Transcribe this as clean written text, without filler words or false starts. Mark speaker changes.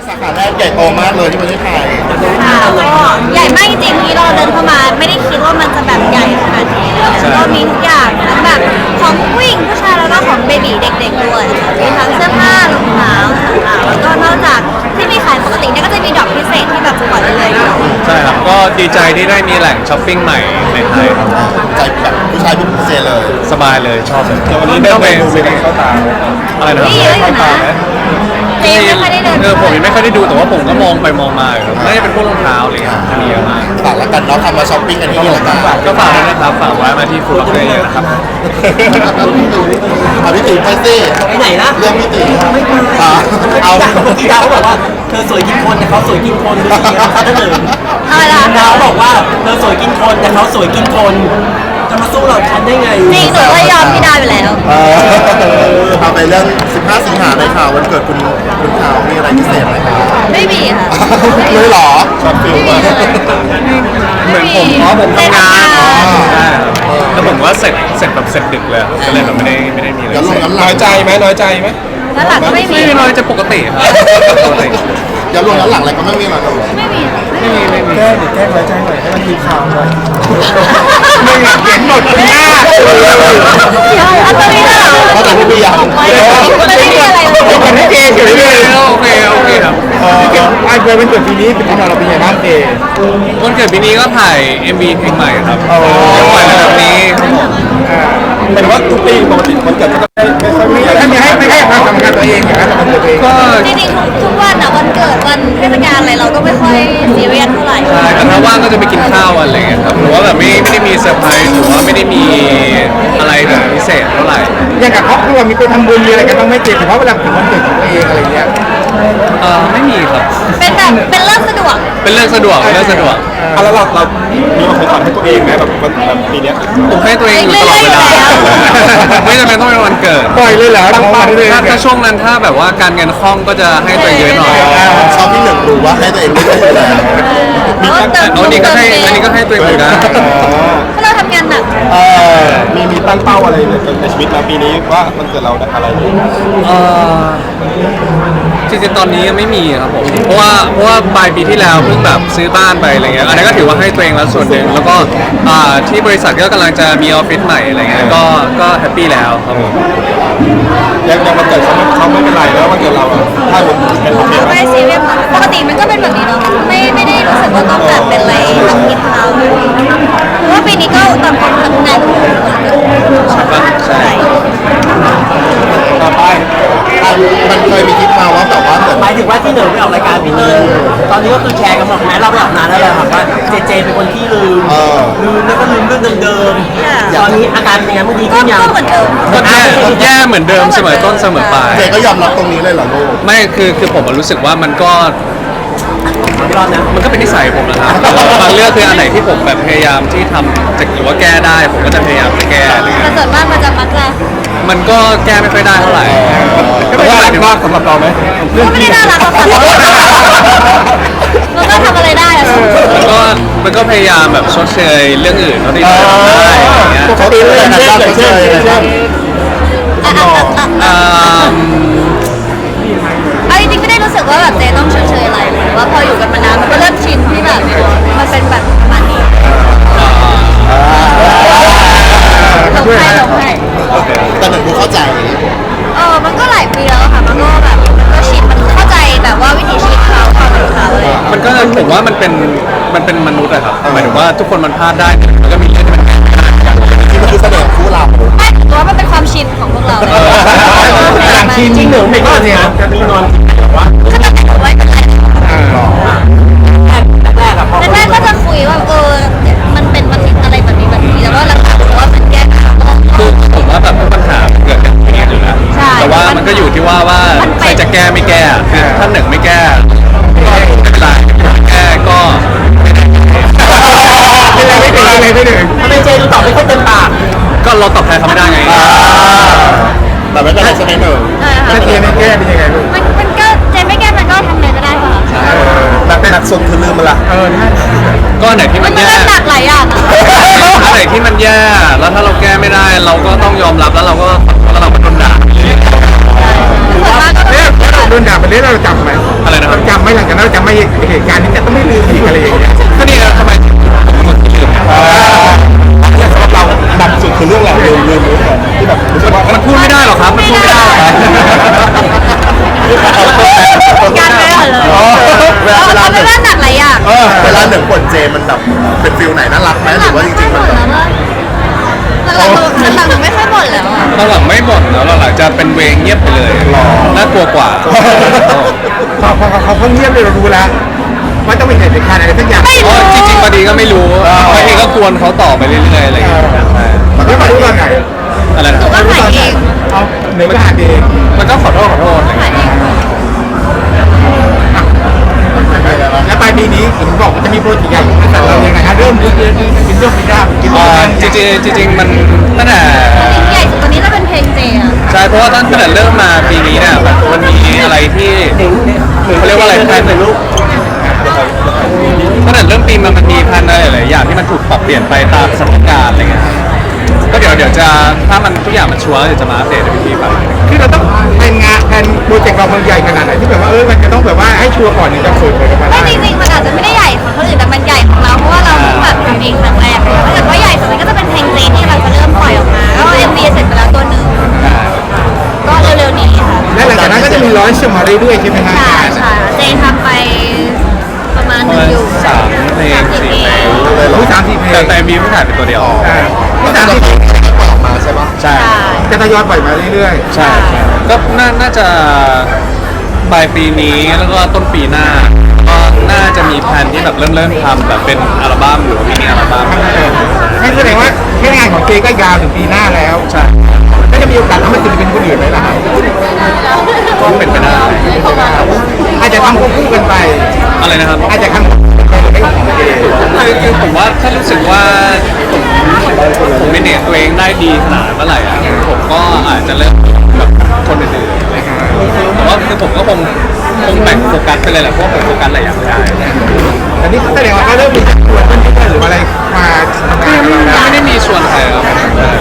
Speaker 1: สาขาแรกใหญ่โตมากเลยที่ประเทศไทย
Speaker 2: ค่ะก็ใหญ่มากจริงๆที่เราเดินเข้ามาไม่ได้คิดว่ามันจะแบบใหญ่ขนาดนี้แล้วก็มีทุกอย่างทั้งแบบของผู้หญิงผู้ชายแล้วก็ของเบบีเด็กๆด้วยมีทั้งเสื้อผ้ารองเท้าต่างๆแล้วก็นอกจากที่มีขายปกติเนี่ยก็จะมีดอกพิเศษที่แบบปล่อยเลยๆ
Speaker 3: ใช่ครับก็ดีใจที่ได้มีแหล่งช้อปปิ้งใหม่ในไทยครับ
Speaker 1: ใจแบบผู้ชายเป็นพิเศษเลย
Speaker 3: สบายเลยชอบเลย
Speaker 1: แต่วันนี้ได้ไปดูเป็นเข้าตา
Speaker 3: อะไรนะครับ
Speaker 2: นี่เยอะอยู่นะเจ๊ไม่ค่อยได้เดิน
Speaker 3: ผมยังไม่ค่อยได้ดูแต่ว่าผมก็มองไปมองมาครับน่าจะเป็นพวกรองเท้าอะไรเงี้ยมีเยอะมาก
Speaker 1: ฝากแล้วกันเนาะทำมาช้อปปิ้งกันที่นี่แล้วกัน
Speaker 3: ก็ฝากด้วยนะครับฝากไว้มาที่ฟูล็อกเกอร์เยอะนะครับ
Speaker 1: เอาพี่ติ๋มไปสิ
Speaker 4: ไปไหนล่ะ
Speaker 1: เรื่องพี่ติ๋ม
Speaker 4: ไม่ไป
Speaker 1: เอา
Speaker 4: ที่ดาวเขาบอกว่าเธอสวยกินคนแต่เขาสวยกินคนดูดีนะเขาเลย
Speaker 2: อะไรล่ะ
Speaker 4: ดาวบอกว่าเธอสวยกินคนแต่เขาสวยกินคนจะมาสู้เราทันได้ไง
Speaker 2: จริงหนูก็ยอมพี่ดาวอยู่แล้ว
Speaker 1: เอาไปเรื่อง 15 สิงหาเลยค่ะวันเกิดคุณขาวมีอะไรพิเศษไหมคะ
Speaker 2: ไม่มีค่ะ
Speaker 1: เลยเหรอชอบฟิลมาก
Speaker 3: เหมือนผมผมทำงาน
Speaker 2: ใช่
Speaker 3: ใช่ครับแล้วผมว่าเสร็จแบบเสร็จดึกเลยก็เลยแบบไม่ได้มีอะไร
Speaker 1: ย้อนลงย้อนหลั
Speaker 5: น้อง ยใจไหมน้อยใจไหม
Speaker 2: แล้วหลังก็ไม่มี
Speaker 3: ไม่น้อยจะปกติครับปกติ
Speaker 1: ย้อนลงย้อนหลังอะไรก็ไม่มีหรอก
Speaker 2: ไม่มี
Speaker 3: ไม่มี
Speaker 5: แก้น้อยใจหน่อยให้มันมีข่าวหน่อย
Speaker 1: ไม่อยากเห็นหมดคุณหน้า
Speaker 2: เอาตัวนี้เหรอ
Speaker 1: เขาแต่พี่พี่ยัง
Speaker 2: ไม่มีอะไรเลย
Speaker 5: คนที่เกย์อยู่เรื่อยๆ
Speaker 3: โอเคครับ
Speaker 5: ไอ้เกิดเป็นเกิดปีนี้เป็นของเราเป็นยังไงบ้างเกย์
Speaker 3: วันเกิดปีนี้ก็ถ่าย MV เพลงใหม่ครับปล่อยแบบนี้ครับผม
Speaker 5: หมายถึงว่าทุกปีปกติคนเกิดก็ได้ไม่ค่อยมีถ้ามีไม่ให้ความสำคัญตัวเองอย่างนั้นมันเกิดตัวเอง
Speaker 3: ก็
Speaker 2: จริงๆทุกวันอะวันเกิดวันเทศกาลอะไรเราก็ไม่ค่อยซีเรียสเท่าไหร่
Speaker 3: ใช่แต่ถ้าว่างก็จะไปกินข้าวอะไรเงี้ยครับหรือว่าแบบไม่ได้มีเซอร์ไพรส์หรือว่าไม่ได้มีอะไรแบบพิเศษเท่าไหร่
Speaker 5: อย่างกับครอบครัวมีไปทำบุญมีอะไรกันต้องไม่เกย์เฉพาะเวลาถึงวันเกิดของตัวเองอะไรเงี้ย
Speaker 3: ไม่มีครับ
Speaker 2: เป็นแบบเป็นเรื่องสะดวก
Speaker 3: เป็นเรื่องสะดวกมี
Speaker 5: แล้วเรามีของขวัญให้ตัวเองไหมแบบปีนี้
Speaker 3: ผมให้ตัวเองอยู่ตลอดเวลาไม่จำเป็นต้องเป็นวันเกิด
Speaker 5: ปล่อยเลยเหรอตั้งเป้าเลย
Speaker 3: ถ้าช่วงนั้นถ้าแบบว่าการเงินคล่องก็จะให้ตัวเองเยอะหน่อย
Speaker 1: ชอบที่หนึ่งรู้ว่าให้ตัวเองไม่ได้อยู่แล้ว
Speaker 3: อันนี้ก็ให้ตัวเองเหมือนกัน
Speaker 2: เพราะเราทำงานหนัก
Speaker 5: มีตั้งเป้าอะไรในชีวิตมาปีนี้ว่ามันเกิดเราอะไรดี
Speaker 3: จริงๆตอนนี้ยังไม่มีครับผมเพราะว่าปลายปีที่แล้วเพิ่งแบบซื้อบ้านไปอะไรเงี้ยอันนี้ก็ถือว่าให้ตัวเองแล้วส่วนหนึ่งแล้วก็ที่บริษัทก็กำลังจะมีออฟฟิศใหม่อะไรเงี้ยก็แฮปปี้แล้วครับผม
Speaker 5: ยังวันเกิดเขาไม่เป็นไรแล้ววันเกิดเราถ้าเป็นโอเคไหม
Speaker 2: ไม่ซีเรียสปกติมันก็เป็นแบบนี้เนาะไม่ได้รู้สึกว่าต้องแบบเป็นอะไรต้องกินข้าวเพราะว่าปีนี้ก็ต่างคนทำงานใช่
Speaker 5: ต่อไป
Speaker 1: มันเคยมีคลิปมาว่าแบบว่าเหมือน
Speaker 4: หมายถึงว่าที่เหนือไปออกรายการปีนี้ตอนนี้ก็คือแชร์กันหมดแม้เราไปออกนานแล้วแหละครับว่าเจเป็นคนที่ลืมแล้วก็ลืมเรื่องเดิมๆตอนนี้อาการเป็นไงเมื่อกี้
Speaker 2: ก็
Speaker 4: ขึ้นยัง
Speaker 2: เหมือนเดิม
Speaker 3: ก็แย่เหมือนเดิมเสมอต้นเสมอปลาย
Speaker 1: เจก็ยอมรับตรงนี้เลยเหรอลูก
Speaker 3: ไม่คือผมรู้สึกว่ามันก็
Speaker 4: ไม่รอดนะ
Speaker 3: มันก็เป็นนิสัยผมนะครับบางเรื่องคืออันไหนที่ผมแบบพยายามที่ทำจะหรือว่าแก้ได้ ผมก็จะพยายามจะแก้อะไร
Speaker 2: แต่
Speaker 3: เงี้ย
Speaker 2: ส่วนมากมันจะมักจะ
Speaker 3: มันก็แก้ไม่ค่อยได้เท่าไหร่
Speaker 5: ก็ไม่ได้มากสำหรับเราไหม
Speaker 2: ก็ไม่ได้น่ารักหรอกค่ะมันก็ทำอะไรได้อะ
Speaker 3: มันก็พยายามแบบชดเชยเรื่องอื่นเท่าที่ทำได้อย่างเงี้ย
Speaker 1: เขาตีเลยนะเช่น
Speaker 2: เอาจริงๆไม่ได้รู้สึกว่าแบบเจต้องเฉยๆอะไรหรือว่าพออยู่กันมานานมันก็เริ่มชินที่แบบมันเป็นแบบประมาณนี้หลงให้
Speaker 1: แต่หนึ่งกูเข้าใจ
Speaker 2: มันก็หลายปีแล้วค่ะมันก็แบบมันก็ชินมันเข้าใจแบบว่าวิถีชีวิตเขาความเป็นเขาเลย
Speaker 3: มันก็ผมว่ามันเป็นมนุษย์อะครับหมายถึงว่าทุกคนมันพลาดได้มันก็มีเรื่องที่มัน
Speaker 1: ที่มันคือเสน่ห์คู่เรา
Speaker 2: ไม่ถือว่ามันเป็นความชินของพวกเราเลย
Speaker 4: จริงหนึ่งไม่ก็เนี่ยจะมีนอนแบบว่า
Speaker 2: ก็จะแต่งไว้เป็นไร
Speaker 4: แรกอะพอ
Speaker 2: แรกๆก็จะคุยว่ามันเป็นมันอะไรแบบนี้แต่ว่าหลังๆรู้ว่ามันแก้ไข
Speaker 3: คือผมว่าแบบปัญหาเกิดกันอย่างนี้อยู่แล้ว
Speaker 2: ใช่
Speaker 3: แต่ว่ามันก็อยู่ที่ว่าใครจะแก้ไม่แก้คือถ้าหนึ่งไม่แก้ก็ไม่เป็นไรแก้ก็ไม่ได้
Speaker 5: ไม่ถึง
Speaker 4: ทำไมเจดูตอบไม่ค่อยเต็มปาก
Speaker 3: ก็เราตอบแทนเขาไม่ได้ไง
Speaker 1: แต่ไม่เป็นไรใช่ไหมหนึ่ง
Speaker 5: ถ้าเกย์ไม่แก้เป็นยังไงลูก
Speaker 2: มันก็เจนไม่แก้มันก็ทำเลยก็ได้ค่ะ
Speaker 1: แต่เป็นหนักสุดคือลืมมันละ
Speaker 3: ก็อันไหนที่
Speaker 2: มั
Speaker 3: มัน น
Speaker 2: ก็
Speaker 3: แย่
Speaker 2: หนักหลายอย่างนะ
Speaker 3: อันไหนที่มันแย่แล้วถ้าเราแก้ไม่ได้ เราก็ต้องยอมรับแล้วเราก็โดนด่า
Speaker 2: ส่วนมากก็
Speaker 5: โดนด่าไปเรื่อยเราจำไหม
Speaker 3: อะไรนะครับ
Speaker 5: จำไหมหลังจากนั้นเราจำไม่เหตุการณ์นี้จะต้องไม่ลืมอีกอะไรอย่างเงี้ย
Speaker 3: ก็นี่นะทำไมถึงเป็นคนที่ลืม
Speaker 5: สำหรับเราหนักสุดคือเรื่องอะไรลืมที่แบบรู้สึกว่า
Speaker 3: มันพูดไม่ได้หรอกครับมันพูดไม่ได้หรอกครับ
Speaker 2: การไปก่อนเลย
Speaker 1: เวลา
Speaker 2: เขาไม่ว่าหนักหลายอย่าง
Speaker 1: เวลาหนึ่งบทเจมันแบบเป็นฟิลไหนน่ารักไหมหรือว่าจริงๆมันแบบ
Speaker 2: หลังหนูไม่ค่อยบ่นแล้วอะ
Speaker 3: ตอนหลังไม่บ่นแล้วหลังจะเป็นเวงเงียบไปเลยน่ากลัวกว่า
Speaker 5: เขาเงียบเลยเรารู้แล้วว่าต้องมีเหตุการณ์อะไรสักอย่าง
Speaker 3: อ๋อจริงๆบางทีก็ไม่รู้บางทีก็กวนเขาต่อไปเรื่อยๆอะไรอย่างเงี้ยใช่
Speaker 5: ไม่มารู้ตอนไหน
Speaker 3: อะไรนะ
Speaker 2: หนูก็ถ่ายเอง
Speaker 5: เอาหนึ่งก็หาเอง
Speaker 3: มันก็ขอโทษอะไรอย่าง
Speaker 2: ถ่า
Speaker 3: เงี้
Speaker 2: ย
Speaker 3: ย
Speaker 2: เอง
Speaker 5: และปลายปีนี้ผมบอกว่าจะมีโปรเจกต์ใหญ่แต่เรายังไงฮะเริ่มกินเรื่องไม่ได้กิน
Speaker 3: จริงๆมันตั้งแต่
Speaker 2: ใหญ่สุดตอนนี้จะเป็นเพลงเจอะ
Speaker 3: ใช่เพราะว่าตั้งแต่เริ่มมาปีนี้เนี่ยมันมีอะไรที่เขาเรียกว่าอะไรแพลนตั้งแต่เริ่มปีมันมีแพลนอะไรหลายอย่างที่มันถูกปรับเปลี่ยนไปตามสถานการณ์อะไรเงี้ยก็เดี๋ยวจะถ้ามันทุกอย่างมันชัวร์เดี๋ยวจะมาอัปเดตในพี่ๆไป
Speaker 5: คือเราต้องแผนงานแผนโปรเจกต์เรามันใหญ่ขนาดไหนที่แบบว่ามันจะต้องแบบว่าให้ชัวร์ก่อนถึงจะเปิดเผยกันมา
Speaker 2: ไม่
Speaker 5: ได้
Speaker 2: จริงๆมันอาจจะไม่ได้ใหญ่ของคนอื่นแต่มันใหญ่ของเราเพราะว่าเราเพิ่งแบบทำเองครั้งแรกเลยถ้าเกิดว่าใหญ่สุดมันก็จะเป็นเพลงเจที่เราจะเริ่มปล่อยออกมาแล้ว MV เสร็จไปแล้วตัวหนึ่งก็เร็วๆนี้ค่ะ
Speaker 5: และหลังจากนั้นก็จะมีร้อยมาเรื่อยๆใช่ไหมฮะ
Speaker 2: ใช่ใช่เจทำไปประมาณหนึ่งอยู่
Speaker 3: สามเพลงสี่เพลง
Speaker 5: รู้30 เพลง
Speaker 3: แต่มีเพิ่งถ่ายเป็นตัวเดียว
Speaker 5: รู้30 เพลง
Speaker 1: ออกมาใช่ปะ
Speaker 3: ใช่
Speaker 2: ใช่
Speaker 5: จะทยอยปล่อยมาเรื่อย
Speaker 3: ใช่ก็น่าจะปลายปีนี้แล้วก็ต้นปีหน้าก็น่าจะมีแผนที่แบบเริ่มทำแบบเป็นอัลบั้มหรือว่ามินิอัลบั้ม
Speaker 5: ๆให้แสดงว่าแค่งานของเจก็ยาวถึงปีหน้าแล้ว
Speaker 3: ใช่
Speaker 5: ก็จะมีโอกาสทำให้ศิลปินคนอื่นไหมล่ะ
Speaker 3: ก็เป็นไปได้
Speaker 5: อาจจะทำควบคู่กันไป
Speaker 3: อะไรนะครับ
Speaker 5: อาจจะทำควบคู่กันไปของเจ
Speaker 3: คือผมว่าถ้ารู้สึกว่าผมเป็นตัวเองได้ดีขนาดเมื่อไหร่อะผมก็อาจจะเริ่มแบบคนอื่นๆอะไรเงี้ยแต่ว่าคือผมก็คงแบ่งโฟกัสไปเลยแหละเพราะว่าผมโฟกัสหลายอย่างไม่ได้
Speaker 5: แต่นี่แสดงว่าก็เริ่มมีชวนเพื่อนๆหรืออะไรมาทำงานกับเราแล้ว
Speaker 3: ไม่ได้มีชวนใครครับ